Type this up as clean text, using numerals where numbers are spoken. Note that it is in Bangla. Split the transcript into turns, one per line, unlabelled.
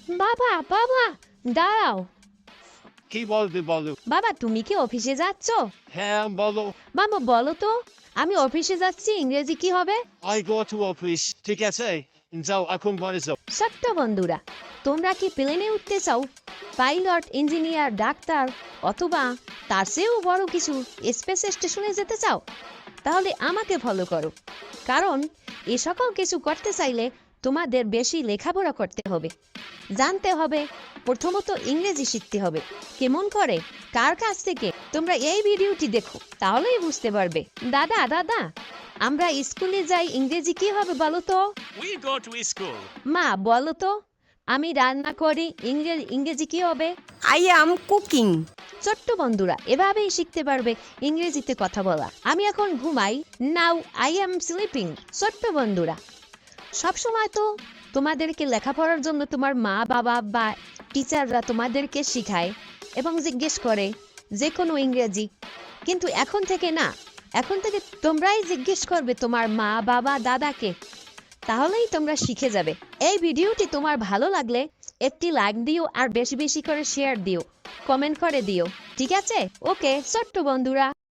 বাবা বাবা, দাঁড়াও।
কি বলবে বলো?
বাবা, তুমি কি অফিসে যাচ্ছ?
হ্যাঁ বলো।
বাবা বলো তো, আমি অফিসে যাচ্ছি, ইংরেজি কি হবে?
I go to office। ঠিক আছে, যাও এখন বাড়ি যাও।
ছোট্ট বন্ধুরা, তোমরা কি প্লেনে উঠতে চাও? পাইলট, ইঞ্জিনিয়ার, ডাক্তার অথবা তার চেয়েও বড় কিছু স্পেস স্টেশনে যেতে চাও? তাহলে আমাকে ফলো করো, কারণ এ সকল কিছু করতে চাইলে তোমাদের বেশি লেখাপড়া করতে হবে, জানতে হবে, প্রথমত ইংরেজি শিখতে হবে। কেমন করে, কার কাছ থেকে? তোমরা এই ভিডিওটি দেখো, তাহলেই বুঝতে পারবে। দাদা দাদা, আমরা স্কুলে যাই, ইংরেজি কি হবে বলো তো?
We go to school।
মা বলো তো, আমি রান্না করি, ইংরেজি কি হবে?
I am cooking.
ছোট্ট বন্ধুরা, এভাবেই শিখতে পারবে ইংরেজিতে কথা বলা। আমি এখন ঘুমাই, নাও আই এম স্লিপিং। ছোট্ট বন্ধুরা, সবসময় তো তোমাদেরকে লেখাপড়ার জন্য তোমার মা বাবা বা টিচাররা তোমাদেরকে শিখায় এবং জিজ্ঞেস করে যে কোনো ইংরেজি, কিন্তু এখন থেকে না, এখন থেকে তোমরাই জিজ্ঞেস করবে তোমার মা বাবা দাদাকে, তাহলেই তোমরা শিখে যাবে। এই ভিডিওটি তোমার ভালো লাগলে একটি লাইক দিও, আর বেশি বেশি করে শেয়ার দিও, কমেন্ট করে দিও, ঠিক আছে? ওকে ছোট্ট বন্ধুরা।